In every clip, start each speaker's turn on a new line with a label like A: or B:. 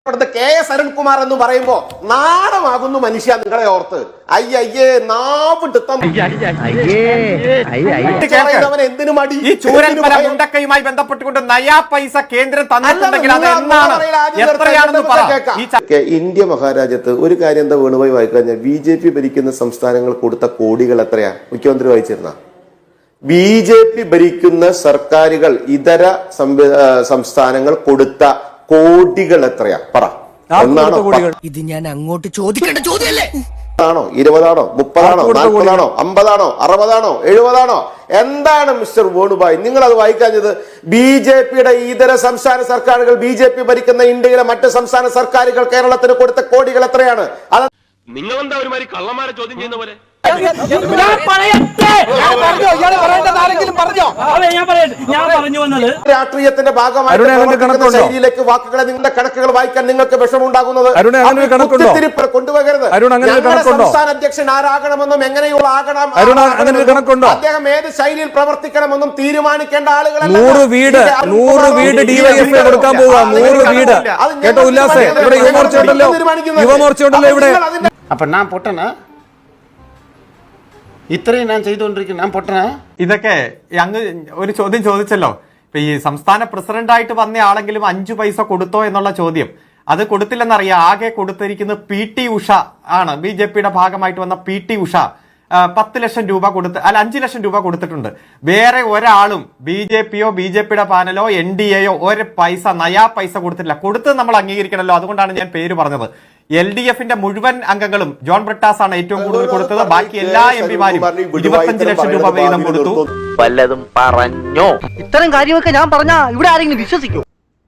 A: KS Arunkumar എന്ന് പറയുമ്പോ നാണമാകുന്നു മനുഷ്യ നിങ്ങളെ ഓർത്ത്. അയ്യയ്യേ എന്തിനു മടി?
B: ഈ ചൂരൽമല മുണ്ടക്കയുമായി ബന്ധപ്പെട്ടുകൊണ്ട് നയാ പൈസ കേന്ദ്രം തന്നിട്ടുണ്ടെങ്കിൽ അത് എന്നാണ് എത്രയാണെന്ന് പറ.
A: ഇന്ത്യ മഹാരാജ്യത്ത് ഒരു കാര്യം എന്താ വേണുപോയി വായിക്കഴിഞ്ഞാൽ BJP ഭരിക്കുന്ന സംസ്ഥാനങ്ങൾ കൊടുത്ത കോടികൾ എത്രയാ? മുഖ്യമന്ത്രി വായിച്ചിരുന്ന BJP ഭരിക്കുന്ന സർക്കാരുകൾ ഇതര സംസ്ഥാനങ്ങൾ കൊടുത്ത കോടികൾ എത്രയാ പറ? ഒന്നാണോ?
C: ഇത് ഞാൻ അങ്ങോട്ട് ചോദിക്കേണ്ട ചോദ്യമല്ലേ?
A: ആണോ 20 ആണോ 30 ആണോ 40 ആണോ 50 ആണോ 60 ആണോ 70 ആണോ? എന്താണ് മിസ്റ്റർ വേണുഭായ് നിങ്ങൾ അത് വായിക്കാഞ്ഞത്? BJPയുടെ ഇതര സംസ്ഥാന സർക്കാരുകൾ BJP ഭരിക്കുന്ന ഇന്ത്യയിലെ മറ്റ് സംസ്ഥാന സർക്കാരുകൾ കേരളത്തിന് കൊടുത്ത കോടികൾ എത്രയാണ്? അത്
D: നിങ്ങളെന്താ ഒരുമാതിരി കള്ളന്മാരെ ചോദ്യം ചെയ്യുന്ന പോലെ?
A: രാഷ്ട്രീയത്തിന്റെ ഭാഗമായി ശൈലിയിലേക്ക് വാക്കുകളെ നിങ്ങളുടെ കണക്കുകൾ വായിക്കാൻ നിങ്ങൾക്ക് വിഷമമുണ്ടാകുന്നത് കൊണ്ടുപോകരുത്. സംസ്ഥാന അധ്യക്ഷൻ ആരാകണമെന്നും എങ്ങനെയുള്ള ആകണം, അദ്ദേഹം ഏത് ശൈലിയിൽ പ്രവർത്തിക്കണമെന്നും തീരുമാനിക്കേണ്ട ആളുകളെ
E: 100 വീട് ഡിവൈഎഫ്ഐ കൊടുക്കാൻ പോവുക. 100 വീട് കേട്ടോ ഉല്ലാസേ? ഇവിടെ യുവമോർച്ച ഉണ്ടല്ലോ ഇവിടെ.
F: അപ്പൊ ഞാൻ പൊട്ടനാ? ഇത്രയും ഞാൻ ചെയ്തുകൊണ്ടിരിക്കുന്നു, ഞാൻ പൊട്ടനാ?
B: ഇതൊക്കെ അങ്ങ് ഒരു ചോദ്യം ചോദിച്ചല്ലോ. ഇപ്പൊ ഈ സംസ്ഥാന പ്രസിഡന്റായിട്ട് വന്ന ആളെങ്കിലും 5 പൈസ കൊടുത്തോ എന്നുള്ള ചോദ്യം, അത് കൊടുത്തില്ലെന്നറിയാം. ആകെ കൊടുത്തിരിക്കുന്നത് PT ഉഷ ആണ്. BJPയുടെ ഭാഗമായിട്ട് വന്ന PT ഉഷ 10 ലക്ഷം രൂപ 5 ലക്ഷം രൂപ കൊടുത്തിട്ടുണ്ട്. വേറെ ഒരാളും BJPയോ BJPയുടെ പാനലോ NDAയോ ഒരു പൈസ നയാ പൈസ കൊടുത്തിട്ടില്ല. കൊടുത്തത് നമ്മൾ അംഗീകരിക്കണമല്ലോ. അതുകൊണ്ടാണ് ഞാൻ പേര് പറഞ്ഞത്. LDFന്റെ മുഴുവൻ അംഗങ്ങളും ജോൺ ബ്രിട്ടാസ് ആണ് ഏറ്റവും കൂടുതൽ കൊടുത്തത്. ബാക്കി എല്ലാ MPമാരും 25 ലക്ഷം രൂപ വീതം കൊടുത്തു.
G: വല്ലതും പറഞ്ഞോ? ഇത്തരം കാര്യമൊക്കെ ഞാൻ പറഞ്ഞാ ഇവിടെ ആരെങ്കിലും വിശ്വസിക്കോ?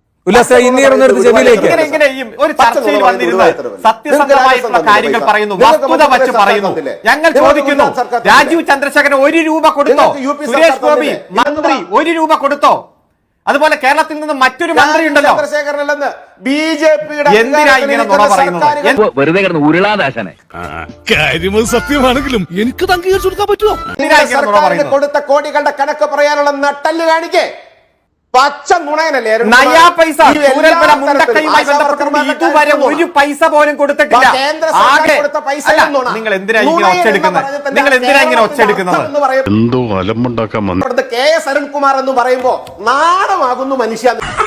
B: ഒരു ചർച്ചയിൽ വന്നിരുന്ന സത്യസന്ധമായിട്ടുള്ള കാര്യങ്ങൾ പറയുന്നു, വസ്തുത വച്ച് പറയുന്നു. ഞങ്ങൾ ചോദിക്കുന്നു, രാജീവ് ചന്ദ്രശേഖരൻ 1 രൂപ കൊടുത്തോ? സുരേഷ് ഗോപി മന്ത്രി 1 രൂപ കൊടുത്തോ? അതുപോലെ കേരളത്തിൽ നിന്ന് മറ്റൊരു മന്ത്രി ഉണ്ടല്ലോ. എന്തിനാ ഇങ്ങനെ നുണ പറയുന്നത്?
G: വെറുതെ കിടന്ന് ഉരുളാദാശനെ.
E: കാര്യം സത്യമാണെങ്കിലും എനിക്ക് അംഗീകരിച്ചു കൊടുക്കാൻ പറ്റുമോ?
A: കൊടുത്ത കോടികളുടെ കണക്ക് പറയാനുള്ള നട്ടല് കാണിക്കേ. പച്ച നുണയനല്ലേ
B: നയാ പൈസ ചൂരൽമല മുണ്ടക്കയുമായി ബന്ധപ്പെട്ടുകൊണ്ട് ഇതുവരെ 1 പൈസ പോലും കൊടുത്തിട്ടില്ല. നിങ്ങൾ എന്തിനാ ഇങ്ങനെ ഒച്ചെടുക്കുന്നത്?
D: എന്തോ അലമ്പുണ്ടാക്കാൻ വന്നു.
A: KS അരുൺകുമാർ എന്ന് പറയുമ്പോ നാണമാകുന്നു മനുഷ്യ.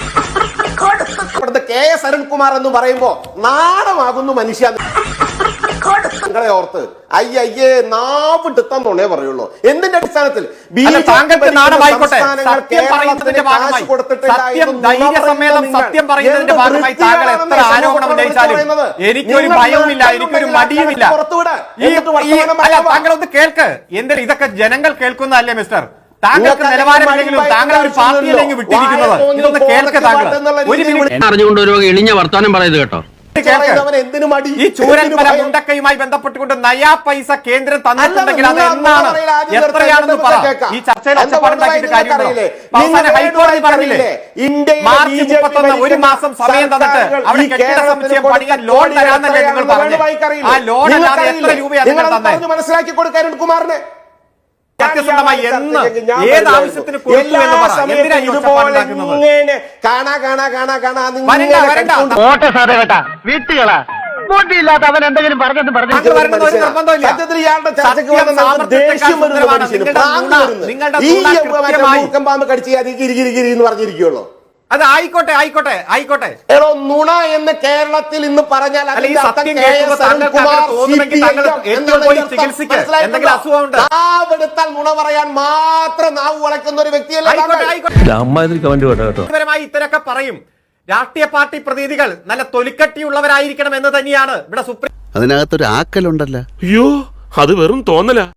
A: KS അരുൺകുമാർ എന്ന് പറയുമ്പോ നാണമാകുന്നു മനുഷ്യ നിങ്ങളെ ഓർത്ത്. അയ്യയ്യേ നാവിട്ടുത്തന്നേ പറയുള്ളൂ. എന്തിന്റെ അടിസ്ഥാനത്തിൽ?
B: താങ്കൾക്ക് നാണമായിക്കോട്ടെ. സത്യം പറയുന്നതിന്റെ ഭാഗമായി, സത്യം പറയുന്നതിന്റെ ഭാഗമായി താങ്കൾ എത്ര ആരോപണം ഉന്നയിച്ചാലും എനിക്കൊരു ഭയവുമില്ല, എനിക്കൊരു മടിയുമില്ല. താങ്കൾ ഒന്ന് കേൾക്ക്. എന്തിനാ ഇതൊക്കെ ജനങ്ങൾ കേൾക്കുന്നതല്ലേ മിസ്റ്റർ? താങ്കൾക്ക് നിലവാരമില്ലെങ്കിലും താങ്കൾ ഒരു പാർട്ടിയിലേക്ക് വിട്ടിരിക്കുന്നത്. ഇതൊന്ന് കേൾക്ക് താങ്കൾ. ഒരു മിനിറ്റ്
G: അറിഞ്ഞുകൊണ്ട് ഒരു ഇളിഞ്ഞ വർത്താനം പറയുന്നത് കേട്ടോ.
B: ഈ ചൂരൽമല മുണ്ടക്കയുമായി ബന്ധപ്പെട്ടുകൊണ്ട് നയാ പൈസ കേന്ദ്രം തന്നിട്ടുണ്ടെങ്കിൽ അത് എന്നാണ് എത്രയാണെന്ന് പറ. ഈ ചർച്ചയിൽ ഒച്ചപ്പാടുണ്ടാക്കിയിട്ട് കാര്യമുണ്ടോ? അവസാനം ഹൈക്കോടതി പറഞ്ഞില്ലേ, മാർച്ച് 31 1 മാസം സമയം തന്നിട്ട് അവിടെ കെട്ടിട സമുച്ചയം പണിയാൻ ലോൺ തരാന്നല്ലേ നിങ്ങൾ പറഞ്ഞു? ആ ലോൺ അല്ലാതെ എത്ര രൂപയാണ് നിങ്ങൾ തന്നെ
A: മനസ്സിലാക്കി കൊടുക്കാൻ കുമാറിന്?
B: സത്യസന്ധമായി എന്ന് ഏത് ആവശ്യത്തിന് കൊടുത്തു എന്ന് പറ. എന്തിനാ ഈ ഒച്ചപ്പാടുണ്ടാക്കുന്നത്?
G: വീട്ടുകളാ ബോട്ടിയില്ലാത്ത അവൻ എന്തെങ്കിലും പറഞ്ഞെന്ന് പറഞ്ഞു.
A: പറഞ്ഞിരിക്കുള്ളൂ.
B: അത് ആയിക്കോട്ടെ ആയിക്കോട്ടെ ആയിക്കോട്ടെ.
A: നുണ എന്ന് കേരളത്തിൽ ഇന്ന് പറഞ്ഞാൽ നാവെടുത്താൽ നുണ പറയാൻ മാത്രം നാവ് വളയ്ക്കുന്ന ഒരു വ്യക്തിയല്ല.
B: ഇത്തരൊക്കെ പറയും. രാഷ്ട്രീയ പാർട്ടി പ്രതിനിധികൾ നല്ല തൊലിക്കട്ടിയുള്ളവരായിരിക്കണം എന്ന് തന്നെയാണ് ഇവിടെ സുപ്രീം.
F: അതിനകത്തൊരു ആക്കലുണ്ടല്ലോ.
D: അയ്യോ, അത് വെറും തോന്നല.